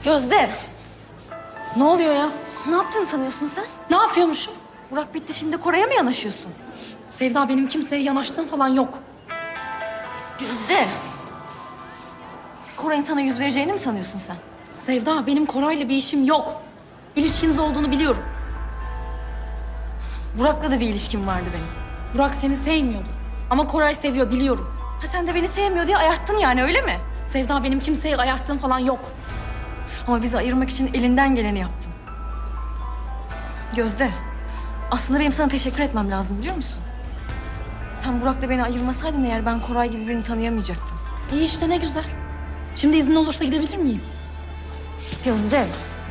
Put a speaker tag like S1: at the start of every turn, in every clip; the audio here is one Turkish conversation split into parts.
S1: Gözde,
S2: Ne oluyor ya?
S1: ne yaptığını sanıyorsun sen?
S2: Ne yapıyormuşum?
S1: Burak bitti, şimdi Koray'a mı yanaşıyorsun?
S2: Sevda, benim kimseye yanaştığım falan yok.
S1: Gözde, Koray'ın sana yüz vereceğini mi sanıyorsun sen?
S2: Sevda, benim Koray'la bir işim yok. İlişkiniz olduğunu biliyorum.
S1: Burak'la da bir ilişkim vardı benim.
S2: Burak seni sevmiyordu. Ama Koray seviyor, biliyorum.
S1: Ha, sen de beni sevmiyor diye ayarttın yani, öyle mi?
S2: Sevda, benim kimseye ayarttığım falan yok.
S1: Ama bizi ayırmak için elinden geleni yaptın. Gözde, aslında benim sana teşekkür etmem lazım, biliyor musun? Sen Burak'la beni ayırmasaydın eğer, ben Koray gibi birini tanıyamayacaktım.
S2: İyi işte, ne güzel. Şimdi izin olursa gidebilir miyim?
S1: Gözde,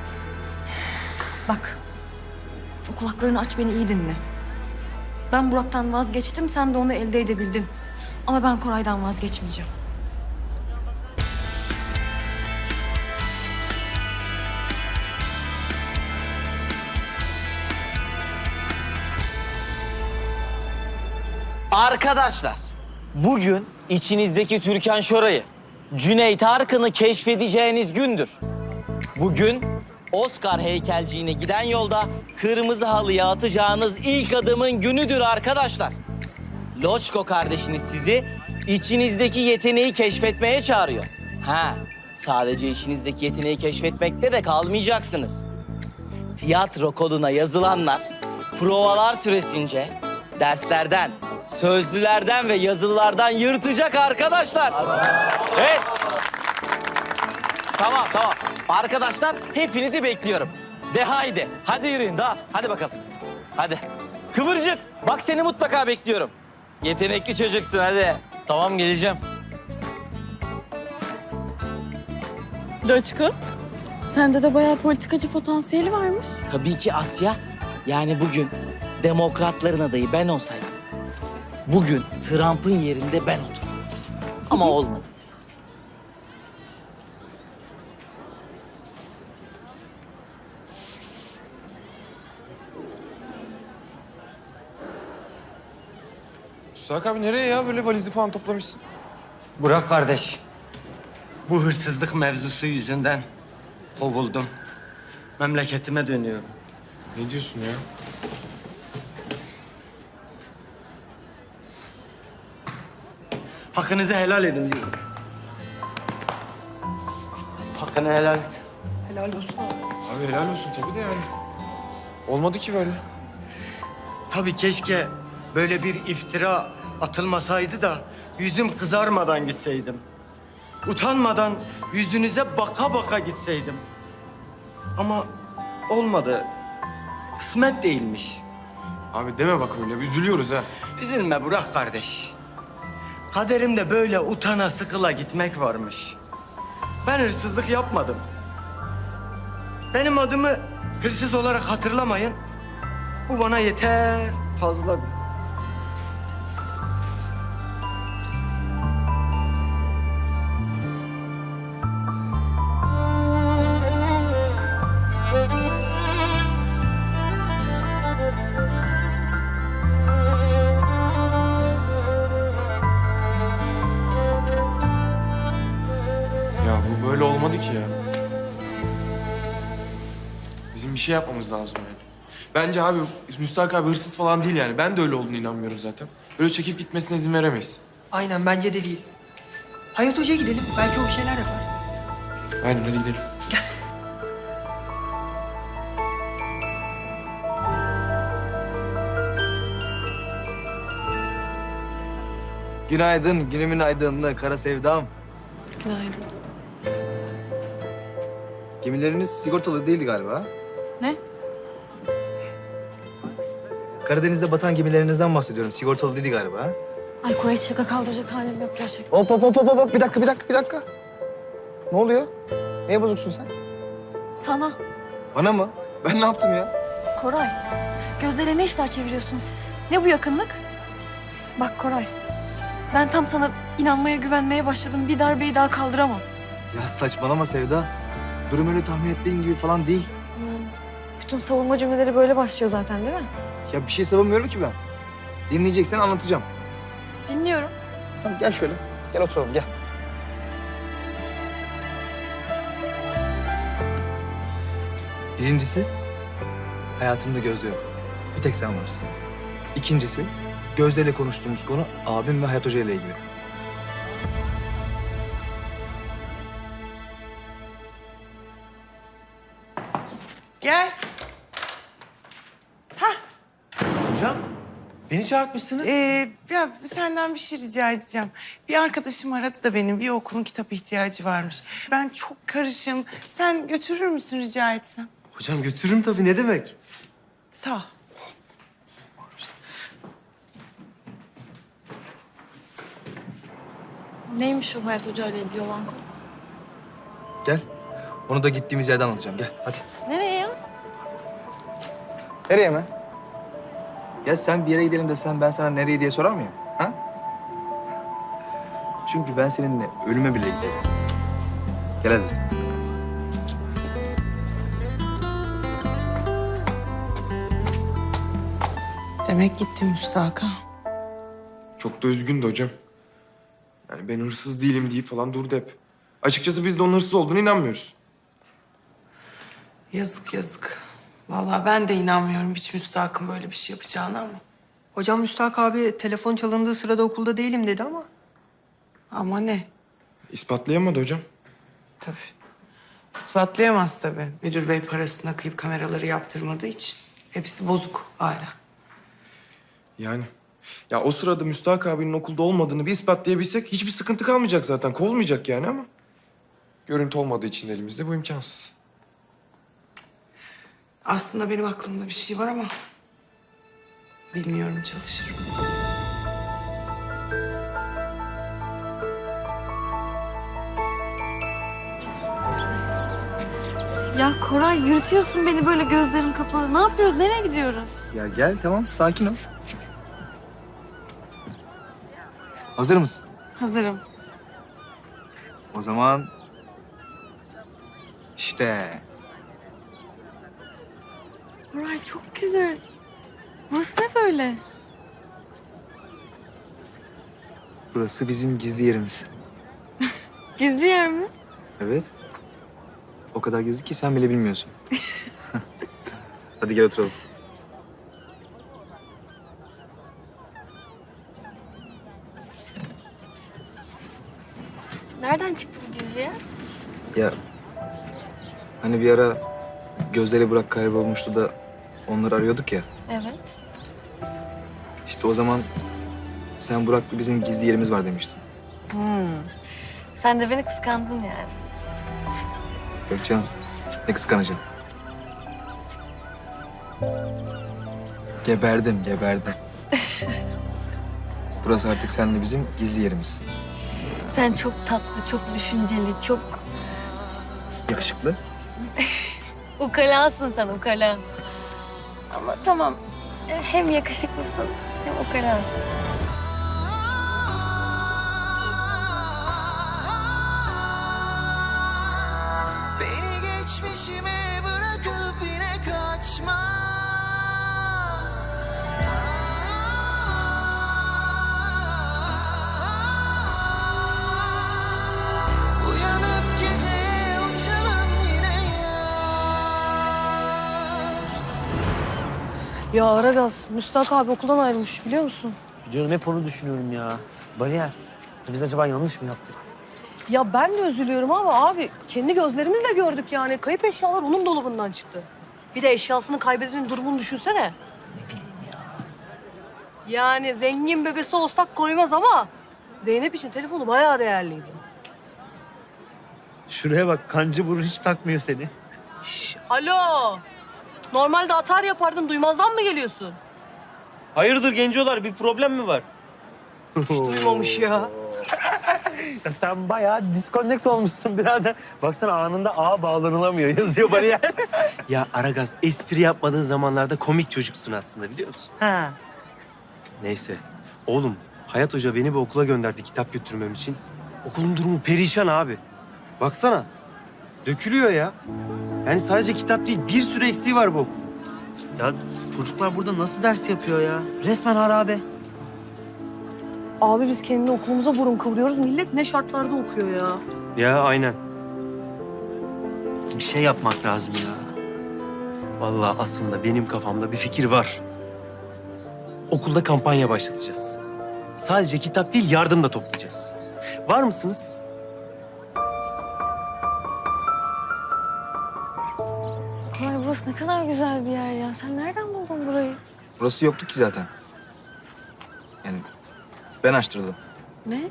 S1: bak, o kulaklarını aç, beni iyi dinle. Ben Burak'tan vazgeçtim, sen de onu elde edebildin. Ama ben Koray'dan vazgeçmeyeceğim.
S3: Arkadaşlar, bugün içinizdeki Türkan Şoray'ı, Cüneyt Arkın'ı keşfedeceğiniz gündür. Bugün Oscar heykelciğine giden yolda kırmızı halıya atacağınız ilk adımın günüdür arkadaşlar. Loçko kardeşiniz sizi içinizdeki yeteneği keşfetmeye çağırıyor. Ha, sadece içinizdeki yeteneği keşfetmekte de kalmayacaksınız. Tiyatro koduna yazılanlar provalar süresince derslerden, sözlülerden ve yazılılardan yırtacak arkadaşlar. Evet. Tamam. Arkadaşlar, hepinizi bekliyorum. De haydi. Hadi yürüyün daha. Hadi bakalım. Hadi. Kıvırcık. Bak, seni mutlaka bekliyorum. Yetenekli çocuksun, hadi. Tamam, geleceğim.
S1: Loçko, sende de bayağı politikacı potansiyeli varmış.
S3: Tabii ki Asya. Yani bugün demokratların adayı ben olsaydım, bugün Trump'ın yerinde ben oturdum. Ama olmadı.
S4: Müstahak abi nereye ya? Böyle valizi falan toplamışsın.
S5: Burak kardeş, bu hırsızlık mevzusu yüzünden kovuldum. Memleketime dönüyorum.
S4: Ne diyorsun ya?
S5: Hakkınızı helal edin diyorum. Hakkını helal et.
S4: Helal olsun abi. Abi helal olsun tabii de yani. Olmadı ki böyle.
S5: Tabii keşke böyle bir iftira atılmasaydı da yüzüm kızarmadan gitseydim. Utanmadan yüzünüze baka baka gitseydim. Ama olmadı. Kısmet değilmiş.
S4: Abi deme bak öyle. Üzülüyoruz ha.
S5: Üzülme Burak kardeş. Kaderimde böyle utana sıkıla gitmek varmış. Ben hırsızlık yapmadım. Benim adımı hırsız olarak hatırlamayın. Bu bana yeter, fazla.
S4: Ya bu böyle olmadı ki ya. Bizim bir şey yapmamız lazım yani. Bence abi Müstahak abi hırsız falan değil yani. Ben de öyle olduğunu inanmıyorum zaten. Böyle çekip gitmesine izin veremeyiz.
S6: Aynen bence de değil. Hayat Hoca'ya gidelim. Belki o bir şeyler yapar.
S4: Aynen, hadi gidelim.
S7: Günaydın, günümün aydınlığı, kara sevdam.
S1: Günaydın.
S7: Gemileriniz sigortalı değildi galiba.
S1: Ne?
S7: Karadeniz'de batan gemilerinizden bahsediyorum. Sigortalı değildi galiba.
S1: Ay Koray, şaka kaldıracak halim yok gerçekten.
S7: Hop. Bir dakika. Ne oluyor? Neye bozuksun sen?
S1: Sana,
S7: Bana mı? Ben ne yaptım ya?
S1: Koray, Gözde'yle ne işler çeviriyorsunuz siz? Ne bu yakınlık? Bak Koray, ben tam sana inanmaya, güvenmeye başladım. Bir darbeyi daha kaldıramam.
S7: Ya saçmalama Sevda. Durum öyle tahmin ettiğin gibi falan değil.
S1: Bütün savunma cümleleri böyle başlıyor zaten, değil mi?
S7: Ya bir şey savunmuyorum ki ben. Dinleyeceksen anlatacağım.
S1: Dinliyorum.
S7: Tamam gel şöyle. Gel oturalım gel. Birincisi, hayatımda Gözde yok. Bir tek sen varsın. İkincisi, Gözde ile konuştuğumuz konu abim ve Hayat Hoca ile ilgili.
S8: Gel.
S9: Hocam, beni çağırtmışsınız.
S8: Ya senden bir şey rica edeceğim. Bir arkadaşım aradı da benim bir okulun kitap ihtiyacı varmış. Ben çok karışım. Sen götürür müsün rica etsem?
S9: Hocam götürürüm tabii, ne demek?
S8: Sağ ol.
S1: Neymiş o Hayat Hoca ile ilgili olan konu?
S7: Gel. Onu da gittiğimiz yerden anlatacağım. Gel hadi.
S1: Nereye ya?
S7: Nereye mi? Ya sen bir yere gidelim desem ben sana nereye diye sorar mıyım? Ha? Çünkü ben seninle ölüme bile giderim. Gel hadi.
S8: Demek gitti Müstaka.
S4: Çok da üzgündü hocam. Yani ben hırsız değilim diye falan durdu hep. Açıkçası biz de onun hırsız olduğuna inanmıyoruz.
S8: Yazık yazık. Vallahi ben de inanmıyorum hiç Müstak'ın böyle bir şey yapacağına ama.
S6: Hocam Müstahak abi telefon çalındığı sırada okulda değilim dedi ama.
S8: Ama ne?
S4: İspatlayamadı hocam.
S8: Tabii. İspatlayamaz tabii. Müdür bey parasına kıyıp kameraları yaptırmadığı için. Hepsi bozuk hala.
S4: Yani. Ya o sırada Müstahak abinin okulda olmadığını bir ispatlayabilsek hiçbir sıkıntı kalmayacak zaten. Kovulmayacak yani ama. Görüntü olmadığı için elimizde bu imkansız.
S8: Aslında benim aklımda bir şey var ama... bilmiyorum, çalışırım.
S1: Ya Koray yürütüyorsun beni böyle gözlerim kapalı. Ne yapıyoruz? Nereye gidiyoruz?
S7: Ya gel tamam sakin ol. Hazır mısın?
S1: Hazırım.
S7: O zaman... işte.
S1: Koray çok güzel. Burası ne böyle?
S7: Burası bizim gizli yerimiz.
S1: Gizli yer mi?
S7: Evet. O kadar gizli ki sen bile bilmiyorsun. Hadi gel oturalım.
S1: Nereden çıktı bu gizli yer?
S7: Ya hani bir ara Gözde ile Burak kaybolmuştu da onları arıyorduk ya.
S1: Evet.
S7: İşte o zaman sen Burak'la bizim gizli yerimiz var demiştin.
S1: Sen de beni kıskandın yani.
S7: Yok canım. Ne kıskanacağım. Geberdim. Burası artık seninle bizim gizli yerimiz.
S1: Sen çok tatlı, çok düşünceli, çok
S7: Yakışıklı.
S1: ukalasın sen, ukala. Ama tamam, hem yakışıklısın hem ukalasın.
S10: Beni geçmişime bırakıp yine kaçma. Uyanıp geceye uçalım yine yar.
S11: Ya Aragaz, Müstak abi okuldan ayrılmış biliyor musun?
S9: Biliyorum, hep onu düşünüyorum ya. Bariyer, biz acaba yanlış mı yaptık?
S11: Ya ben de üzülüyorum ama abi kendi gözlerimizle gördük yani. Kayıp eşyalar onun dolabından çıktı. Bir de eşyasının kaybedilmenin durumunu düşünsene.
S9: Ne bileyim ya.
S11: Yani zengin bebesi olsak koymaz ama Zeynep için telefonu bayağı değerliydi.
S9: Şuraya bak, kancı burun hiç takmıyor seni.
S11: Şş, alo. Normalde atar yapardın, duymazdan mı geliyorsun?
S9: Hayırdır gencolar, bir problem mi var?
S11: Hiç duymamış ya.
S9: Ya sen bayağı disconnect olmuşsun birader. Baksana anında ağa bağlanılamıyor yazıyor bariyer. Ya Aragaz, espri yapmadığın zamanlarda komik çocuksun aslında, biliyor musun?
S11: Ha.
S9: Neyse. Oğlum, Hayat Hoca beni bir okula gönderdi kitap götürmem için. Okulun durumu perişan abi. Baksana. Dökülüyor ya. Yani sadece kitap değil, bir sürü eksiği var bu okul. Ya çocuklar burada nasıl ders yapıyor ya? Resmen harabe.
S11: Abi biz kendi okulumuza burun kıvırıyoruz. Millet ne şartlarda okuyor ya.
S9: Ya aynen. Bir şey yapmak lazım ya. Vallahi aslında benim kafamda bir fikir var. Okulda kampanya başlatacağız. Sadece kitap değil, yardım da toplayacağız. Var mısınız?
S1: Koray burası ne kadar güzel bir yer ya. Sen nereden buldun burayı?
S7: Burası yoktu ki zaten. Yani ben açtırdım.
S1: Ne?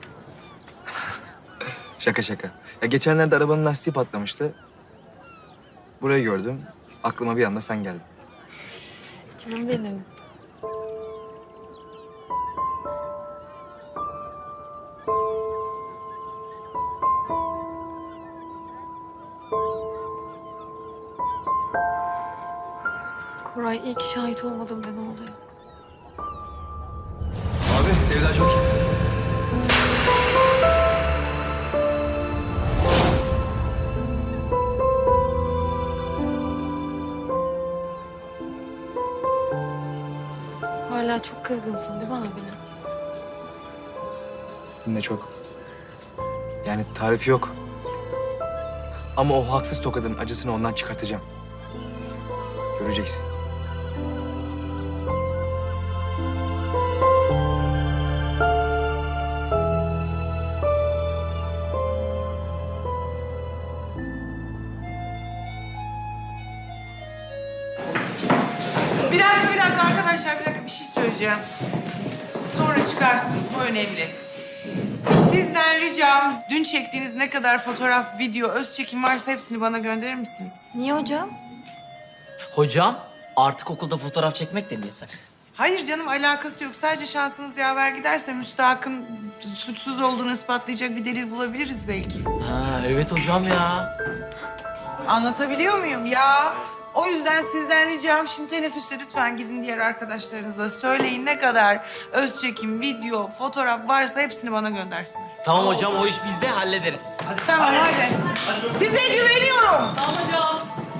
S7: Şaka şaka. Ya geçenlerde arabanın lastiği patlamıştı. Burayı gördüm. Aklıma bir anda sen geldin.
S1: Canım benim. Koray iyi ki şahit olmadım ben oğlum.
S7: Abi Sevda çok iyi.
S1: Hala çok kızgınsın değil mi abine?
S7: Hem de çok. Yani tarifi yok. Ama o haksız tokadın acısını ondan çıkartacağım. Göreceksin.
S8: Bir dakika arkadaşlar, bir dakika bir şey söyleyeceğim. Sonra çıkarsınız, bu önemli. Sizden ricam, dün çektiğiniz ne kadar fotoğraf, video, öz çekim varsa hepsini bana gönderir misiniz?
S1: Niye hocam?
S3: Hocam artık okulda fotoğraf çekmek de mi yasak?
S8: Hayır canım, alakası yok. Sadece şansımız yaver giderse Müstahak'ın suçsuz olduğunu ispatlayacak bir delil bulabiliriz belki.
S3: Ha evet hocam ya.
S8: Anlatabiliyor muyum ya? O yüzden sizden ricam şimdi teneffüste lütfen gidin diğer arkadaşlarınıza söyleyin ne kadar öz çekim, video, fotoğraf varsa hepsini bana göndersinler.
S3: Tamam hocam o iş bizde hallederiz.
S8: Tamam hadi. Size güveniyorum.
S2: Tamam hocam.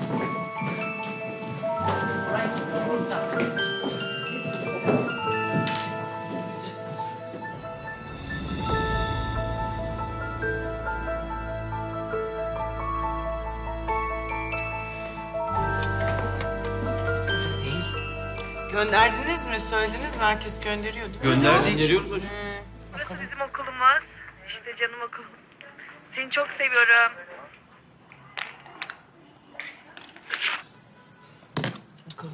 S8: Değil. Gönderdiniz mi? Söylediniz mi? Herkes gönderiyordu.
S9: Gönderdik.
S12: Burası bizim okulumuz. İşte canım okulum. Seni çok seviyorum.
S8: Bakalım.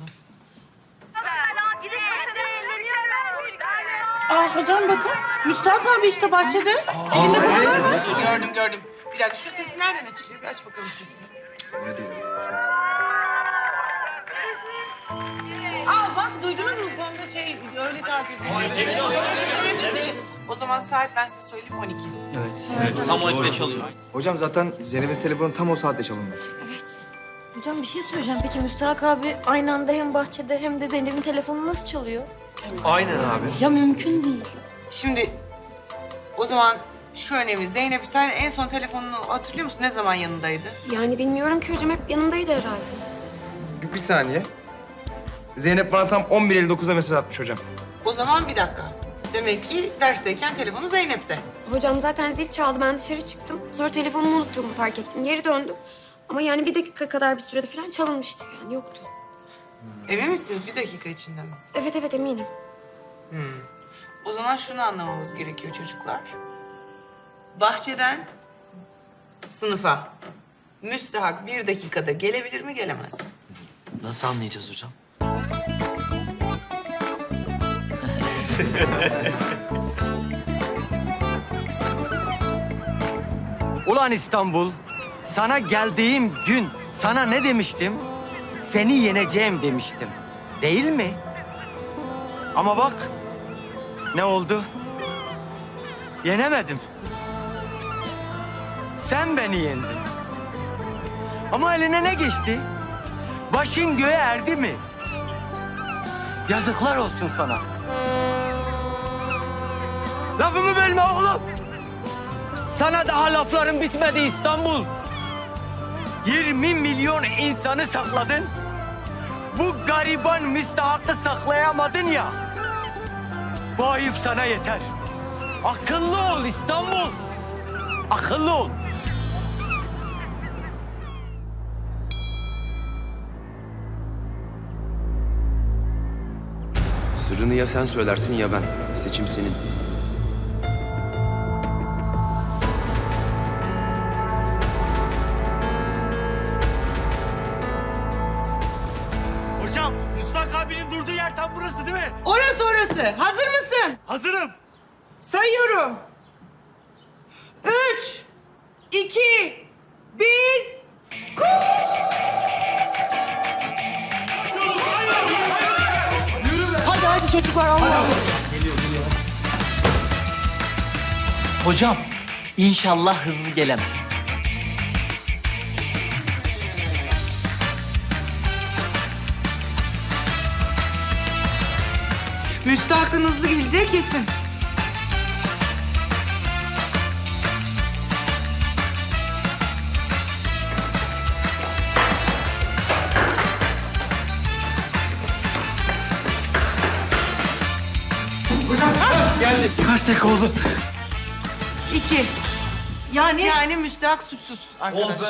S11: Aa hocam bakın. Müstahak abi işte bahçede. Elinde fotoğraf var.
S8: Gördüm. Bir dakika şu sesi nereden açılıyor? Bir aç bakalım sesini.
S7: Ne diyor?
S8: Al bak duydunuz mu? Fonda öğle tatili. O zaman saat ben size söyleyeyim 12.
S3: Evet. Tam 12'de çalıyor.
S7: Hocam zaten Zeynep'in telefonu tam o saatte çalındı.
S1: Evet. Hocam bir şey söyleyeceğim. Peki Müstahak abi aynı anda hem bahçede hem de Zeynep'in telefonu nasıl çalıyor?
S9: Aynen abi.
S2: Ya mümkün değil.
S8: Şimdi o zaman şu önemli. Zeynep sen en son telefonunu hatırlıyor musun? Ne zaman yanındaydı?
S12: Yani bilmiyorum ki hocam, hep yanındaydı herhalde.
S7: Bir saniye. Zeynep bana tam 11.59'da mesaj atmış hocam.
S8: O zaman bir dakika. Demek ki dersteyken telefonu Zeynep'te.
S12: Hocam zaten zil çaldı, ben dışarı çıktım. Sonra telefonumu unuttuğumu fark ettim. Geri döndüm. Ama yani 1 dakika kadar bir sürede falan çalınmıştı, yani yoktu.
S8: Emin misiniz? 1 dakika içinde mi?
S12: Evet eminim.
S8: O zaman şunu anlamamız gerekiyor çocuklar. Bahçeden sınıfa Müstahak 1 dakikada gelebilir mi, gelemez mi?
S3: Nasıl anlayacağız hocam?
S5: Ulan İstanbul, sana geldiğim gün sana ne demiştim? Seni yeneceğim demiştim. Değil mi? Ama bak, ne oldu? Yenemedim. Sen beni yendin. Ama eline ne geçti? Başın göğe erdi mi? Yazıklar olsun sana. Lafımı bölme oğlum. Sana daha lafların bitmedi İstanbul. 20 milyon insanı sakladın. Bu gariban Müstahak'ı saklayamadın ya. Bu ayıp sana yeter. Akıllı ol İstanbul. Akıllı ol.
S13: Sırrını ya sen söylersin ya ben. Seçim senin.
S5: Hocam, Müstak abinin durduğu yer tam burası değil mi?
S8: Orası orası. Hazır mısın?
S5: Hazırım.
S8: Sayıyorum. 3, 2, 1, koş! Hadi hadi çocuklar Allah.
S3: Hocam, inşallah hızlı gelemez.
S8: Müstahak'tan hızlı gelecek kesin.
S5: Geldi. Kaç dakika oldu?
S8: 2.
S1: Yani
S8: Yani müstahak suçsuz arkadaşlar.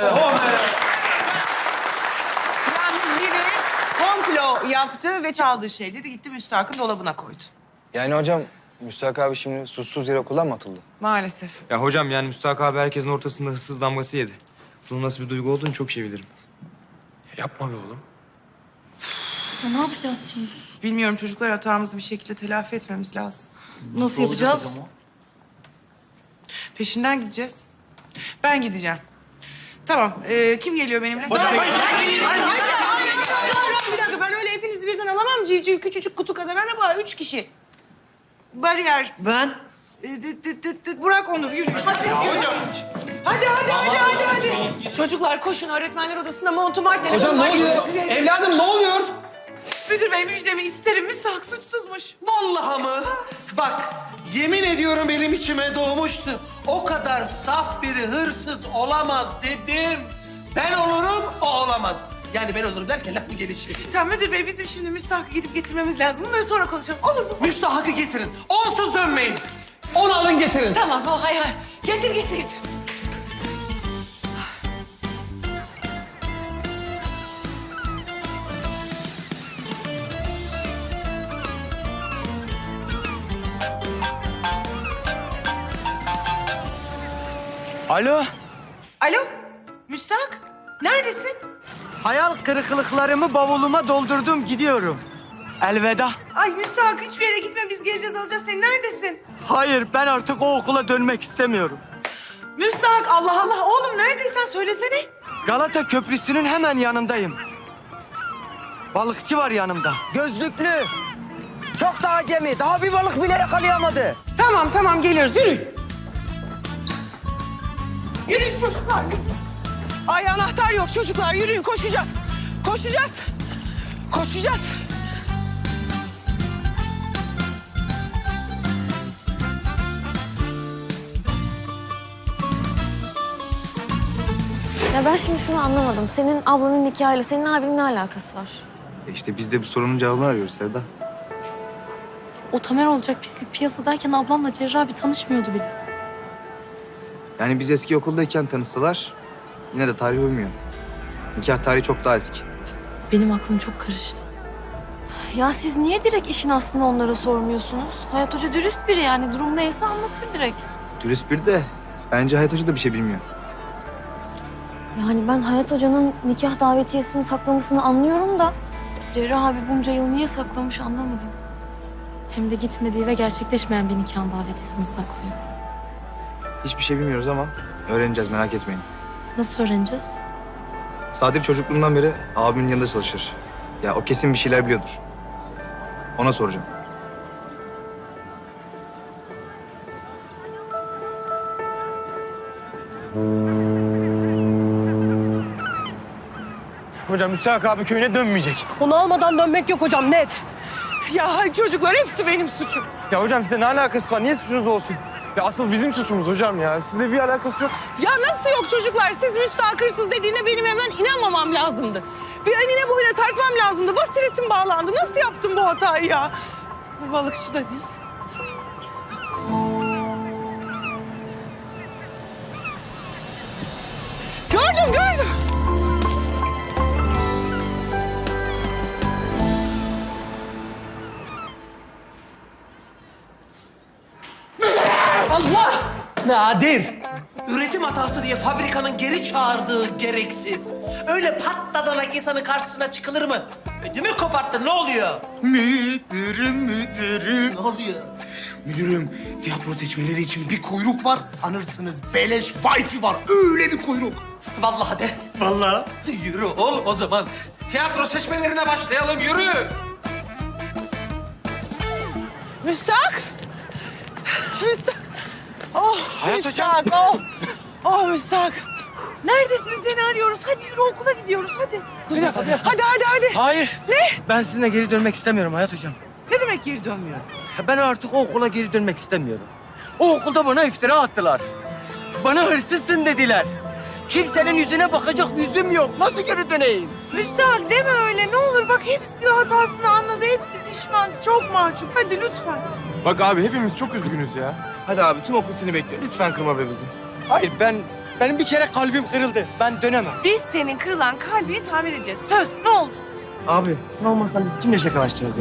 S8: Yalnız biri komplo yaptı ve çaldığı şeyleri gitti müstahakın dolabına koydu.
S7: Yani hocam Müstahak abi şimdi suçsuz yere okuldan mı atıldı?
S8: Maalesef.
S4: Ya hocam yani Müstahak abi herkesin ortasında hırsız damgası yedi. Bunun nasıl bir duygu olduğunu çok iyi bilirim. Yapma be oğlum.
S2: Ya ne yapacağız şimdi?
S8: Bilmiyorum çocuklar, hatamızı bir şekilde telafi etmemiz lazım.
S1: nasıl yapacağız?
S8: Peşinden gideceğiz. Ben gideceğim. Tamam. Kim geliyor benimle?
S5: Hocam, hayır.
S8: Bir dakika, ben öyle hepinizi birden alamam. Civciv küçücük kutu kadar araba. 3 kişi. Bariyer.
S5: Ben?
S8: Burak, Onur yürü. Hadi. Çocuklar koşun, öğretmenler odasında montum var. Hocam ne oluyor?
S5: Evladım ne oluyor?
S8: Müdür bey, müjdemi isterim. Müstahak suçsuzmuş.
S5: Vallahi mı? Bak, yemin ediyorum benim içime doğmuştu. O kadar saf biri hırsız olamaz dedim. Ben olurum, o olamaz. Yani ben olurum derken laf mı gelişi?
S8: Tamam müdür bey, bizim şimdi Müstahak'ı gidip getirmemiz lazım. Bunları sonra konuşalım. Olur mu?
S5: Müstahak'ı getirin. Onsuz dönmeyin. Onu alın getirin.
S8: Tamam, hay. Getir.
S5: Alo.
S8: Alo, Müstahak. Neredesin?
S5: Hayal kırıklıklarımı bavuluma doldurdum, gidiyorum. Elveda.
S8: Ay Müstahak, hiçbir yere gitme. Biz geleceğiz, alacağız seni. Neredesin?
S5: Hayır, ben artık o okula dönmek istemiyorum.
S8: Müstahak, Allah Allah. Oğlum neredeysen söylesene.
S5: Galata Köprüsü'nün hemen yanındayım. Balıkçı var yanımda. Gözlüklü. Çok da acemi. Daha bir balık bile yakalayamadı.
S8: Tamam, geliyoruz. Yürü. Yürüyün çocuklar. Ay anahtar yok çocuklar. Yürüyün, koşacağız.
S1: Ya ben şimdi şunu anlamadım. Senin ablanın nikahıyla senin abinin ne alakası var?
S7: İşte biz de bu sorunun cevabını arıyoruz Sevda.
S2: O Tamer olacak pislik piyasadayken ablamla Cerrah abi tanışmıyordu bile.
S7: Yani biz eski okuldayken tanışsalar yine de tarih uymuyor. Nikah tarihi çok daha eski.
S2: Benim aklım çok karıştı.
S1: Ya siz niye direkt işin aslını onlara sormuyorsunuz? Hayat Hoca dürüst biri yani. Durum neyse anlatır direkt.
S7: Dürüst bir de bence Hayat Hoca da bir şey bilmiyor.
S1: Yani ben Hayat Hoca'nın nikah davetiyesini saklamasını anlıyorum da... Cerrah abi bunca yıl niye saklamış anlamadım.
S2: Hem de gitmediği ve gerçekleşmeyen bir nikahın davetiyesini saklıyor.
S7: Hiçbir şey bilmiyoruz ama öğreneceğiz, merak etmeyin.
S2: Nasıl öğreneceğiz?
S7: Sadir çocukluğundan beri abimin yanında çalışır. Ya o kesin bir şeyler biliyordur. Ona soracağım.
S5: Hocam Müstahak abi köyüne dönmeyecek.
S11: Onu almadan dönmek yok hocam, net.
S8: Ya çocuklar, hepsi benim suçum.
S5: Ya hocam size ne alakası var? Niye suçunuz olsun? Ya asıl bizim suçumuz hocam ya. Sizle bir alakası yok.
S8: Ya nasıl yok çocuklar? Siz Müstahak hırsız dediğine benim hemen inanmamam lazımdı. Bir enine boyuna tartmam lazımdı. Basiretim bağlandı. Nasıl yaptım bu hatayı ya? Bu balıkçı da değil. Gördüm.
S5: birader. Üretim hatası diye fabrikanın geri çağırdığı gereksiz. Öyle patladanak insanın karşısına çıkılır mı? Ödümü koparttın, ne oluyor?
S6: Müdürüm. Ne oluyor? Müdürüm, tiyatro seçmeleri için bir kuyruk var. Sanırsınız beleş wifi var. Öyle bir kuyruk.
S5: Vallahi de.
S6: Vallahi.
S5: Yürü oğlum o zaman. Tiyatro seçmelerine başlayalım, yürü.
S8: Müstak! Müstak! Oh Müstak! Oh! Oh Müstak! Neredesin, seni arıyoruz. Hadi yürü, okula gidiyoruz hadi.
S7: Bir dakika.
S8: Hadi.
S7: Hayır.
S8: Ne?
S7: Ben sizinle geri dönmek istemiyorum Hayat Hocam.
S8: Ne demek geri dönmüyor?
S7: Ben artık o okula geri dönmek istemiyorum. O okulda bana iftira attılar. Bana hırsızsın dediler. Kimsenin yüzüne bakacak yüzüm yok. Nasıl geri döneyim?
S8: Müstak deme öyle, ne olur. Bak hepsi hatasını anladı, hepsi pişman. Çok mahcup. Hadi lütfen.
S4: Bak abi hepimiz çok üzgünüz ya. Hadi abi tüm okul seni bekliyor. Lütfen kırma be bizi.
S7: Hayır benim bir kere kalbim kırıldı. Ben dönemem.
S8: Biz senin kırılan kalbini tamir edeceğiz. Söz, ne olur.
S7: Abi sen olmasan biz kimle şakalaşacağız ya?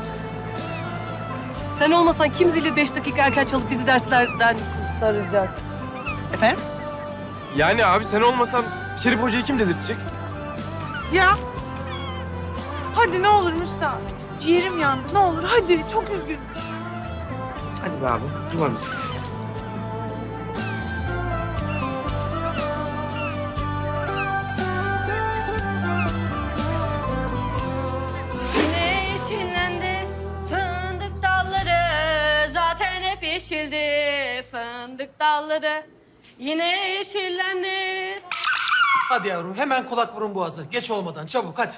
S11: Sen olmasan kim zili 5 dakika erken çalıp bizi derslerden kurtaracak?
S8: Efendim?
S4: Yani abi sen olmasan Şerif Hoca'yı kim dedirtecek?
S8: Ya. Hadi ne olur Müstak. Ciğerim yandı, ne olur. Hadi, çok üzgünüm.
S7: Hadi be abi kırma bizi.
S2: Yine yeşillendi fındık dalları. Zaten hep yeşildi fındık dalları. Yine yeşillendi.
S5: Hadi yavrum, hemen kulak burun boğazı. Geç olmadan, çabuk hadi.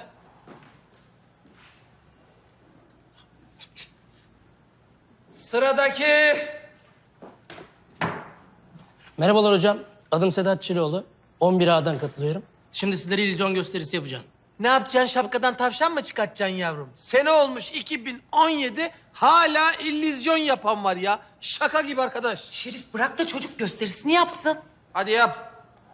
S5: Sıradaki.
S14: Merhabalar hocam. Adım Sedat Çiloğlu. 11A'dan katılıyorum. Şimdi sizlere illüzyon gösterisi yapacağım.
S5: Ne yapacaksın, şapkadan tavşan mı çıkartacaksın yavrum? Sene olmuş 2017, hala illüzyon yapan var ya. Şaka gibi arkadaş.
S2: Şerif bırak da çocuk gösterisini yapsın.
S5: Hadi yap.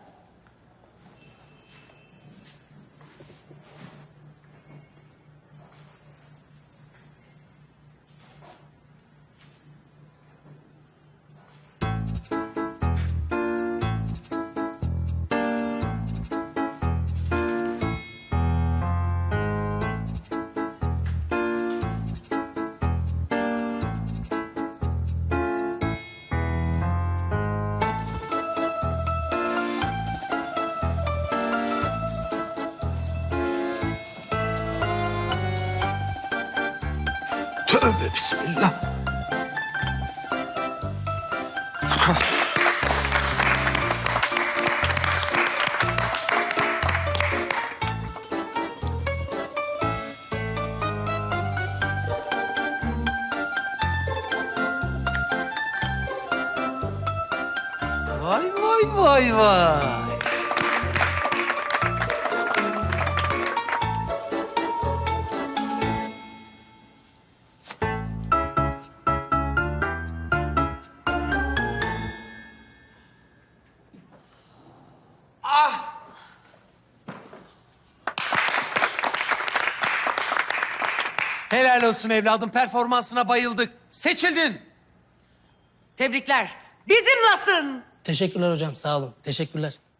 S5: Tövbe bismillah. Vay vay vay vay. Helal olsun evladım, performansına bayıldık. Seçildin.
S8: Tebrikler. Bizimlasın.
S14: Teşekkürler hocam, sağ olun. Teşekkürler.